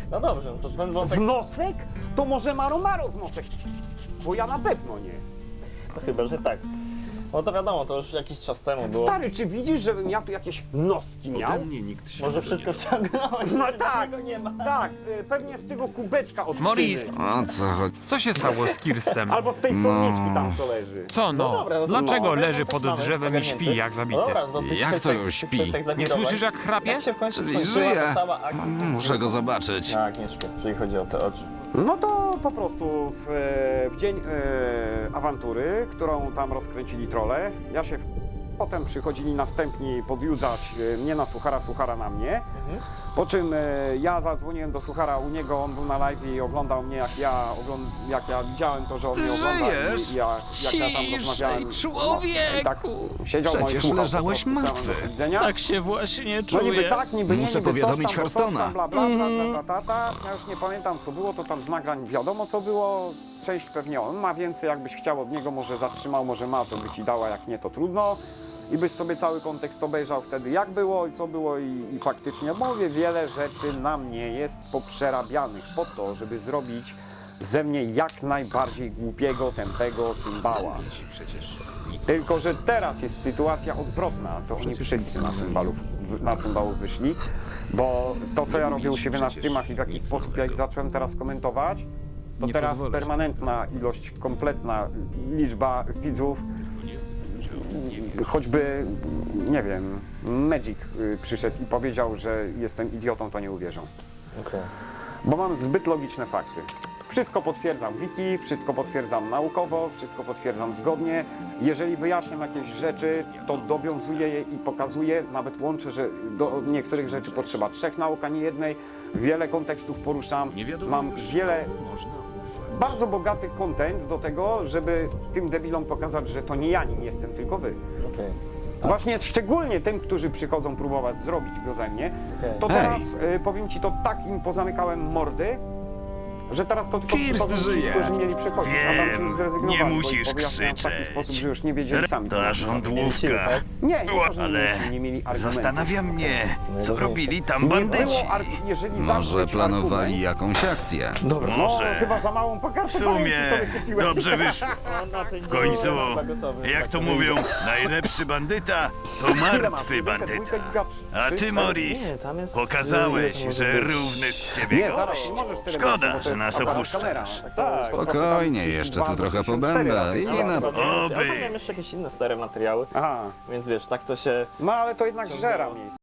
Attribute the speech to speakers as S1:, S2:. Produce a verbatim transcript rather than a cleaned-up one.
S1: No dobrze, no to ten wątek...
S2: W nosek? To może Maro Maro w nosek. Bo ja na pewno nie.
S1: No chyba, że tak. No to wiadomo, to już jakiś czas temu było.
S2: Stary, czy widzisz, żebym ja tu jakieś noski miał?
S3: Ode mnie nikt się
S1: Może
S3: tego
S1: wszystko
S3: nie
S1: wciągnąłeś,
S2: No
S1: że
S2: tak,
S1: tego nie ma.
S2: tak, y, pewnie z tego kubeczka od
S4: Morris.
S2: cyny.
S5: O co chodzi?
S4: Co się stało z Kirstem?
S2: Albo z tej słoniczki tam, co leży.
S4: Co no?
S1: dobra, no to
S4: Dlaczego
S1: no,
S4: leży
S1: no to
S4: pod
S1: mamy
S4: drzewem i
S1: ogarnięty.
S4: śpi jak
S1: No
S4: zabity?
S1: dobra, do tych
S5: Jak to
S1: kwestiach-
S5: już
S1: tych
S5: śpi?
S1: kwestiach
S4: Nie
S1: zawirowań.
S4: słyszysz jak chrapie?
S1: Jak się w końcu
S5: Czyli
S1: skończyła
S5: żyje.
S1: ta cała akcja?
S5: Muszę go zobaczyć.
S1: Tak, nie śpię, jeżeli chodzi o te oczy.
S2: No to po prostu w, e, w dzień e, awantury, którą tam rozkręcili trolle, ja się potem przychodzili następni podjudzać e, mnie na Suchara, Suchara na mnie. Po czym e, ja zadzwoniłem do Suchara u niego, on był na live i oglądał mnie, jak ja, ogląd- jak ja widziałem to, że on
S5: Ty
S2: mnie ogląda
S5: żyjesz?
S2: i ja, jak ja tam rozmawiałem.
S4: Ciszej,
S2: No, i tak siedział no i
S5: Przecież
S2: słuchał po
S5: leżałeś
S2: prostu
S5: martwy.
S2: całego do widzenia.
S4: Tak się właśnie
S2: No niby
S4: czuję.
S2: tak, niby nie,
S5: Muszę
S2: niby
S5: powiadomić
S2: coś tam, bo coś
S5: Hearthstone'a.
S2: tam, bla, bla, bla, bla, ta, ta, ta. Ja już nie pamiętam co było, to tam z nagrań wiadomo co było. Część pewnie on ma więcej, jakbyś chciał od niego, może zatrzymał, może ma, to by ci dała, jak nie to trudno. I byś sobie cały kontekst obejrzał wtedy jak było i co było i, i faktycznie mówię, wiele rzeczy na mnie jest poprzerabianych po to, żeby zrobić ze mnie jak najbardziej głupiego, tępego cymbała.
S3: ci przecież nic.
S2: Tylko, że teraz jest sytuacja odwrotna, to oni wszyscy na cymbalów, na cymbałów wyszli, bo to, co ja robię u siebie na streamach i w jaki sposób ja ich zacząłem teraz komentować, to
S4: Nie
S2: teraz
S4: pozwolę ci.
S2: permanentna ilość, kompletna liczba widzów, choćby, nie wiem, Magic y, przyszedł i powiedział, że jestem idiotą, to nie uwierzą.
S1: Okej.
S2: Bo mam zbyt logiczne fakty. Wszystko potwierdzam wiki, wszystko potwierdzam naukowo, wszystko potwierdzam zgodnie. Jeżeli wyjaśniam jakieś rzeczy, to dowiązuję je i pokazuję, nawet łączę, że do niektórych rzeczy potrzeba trzech nauk, a nie jednej. Wiele kontekstów poruszam,
S3: Nie wiadomo
S2: mam
S3: już,
S2: wiele,
S3: komu można ufać.
S2: bardzo bogaty content do tego, żeby tym debilom pokazać, że to nie ja nim jestem, tylko wy.
S1: Okej.
S2: Właśnie szczególnie tym, którzy przychodzą próbować zrobić go ze mnie,
S1: Okej.
S2: to
S5: Hej.
S2: teraz y, powiem ci, to tak im pozamykałem mordy, że teraz to tylko
S5: Kirst
S2: przychodzą
S5: żyje.
S2: ci, którzy mieli przychodzić, a tam ci już
S3: Wiem,
S2: zrezygnowali,
S3: nie
S2: bo ich
S3: musisz
S2: powyjaśniałem w taki
S3: krzyczeć.
S2: sposób, że już nie wiedzieli sami, co
S3: Ta
S2: mają
S3: żądłówka.
S2: Nie, nie, to, że nie,
S3: Ale
S2: mieli- nie mieli argumentów.
S3: zastanawia mnie, co robili tam
S2: Nie
S3: bandyci.
S2: było arg- jeżeli
S5: Może
S2: zamknąć
S5: planowali
S2: argument,
S5: jakąś akcję.
S1: Dobra.
S2: no,
S3: Może.
S2: chyba za małą pokażę
S3: W sumie dobrze wyszło. W końcu, jak to mówią, najlepszy bandyta to martwy bandyta. A ty, Morris,
S1: Nie, tam jest-
S3: pokazałeś,
S1: ile to
S3: że
S1: może być?
S3: równy z ciebie
S2: Nie, zaraz,
S3: gość.
S2: nie możesz tyle
S3: Szkoda,
S2: mówić, bo to
S3: że
S2: jest
S3: nas
S2: aparat
S3: opuszczasz.
S2: kamera. Tak,
S5: Spokojnie, jeszcze tu trochę pobędę i na...
S1: Ja
S3: Oby.
S1: tam miałem jeszcze jakieś inne stare materiały,
S2: Aha,
S1: więc wiesz, tak to się...
S2: no ale to jednak żera miejsce.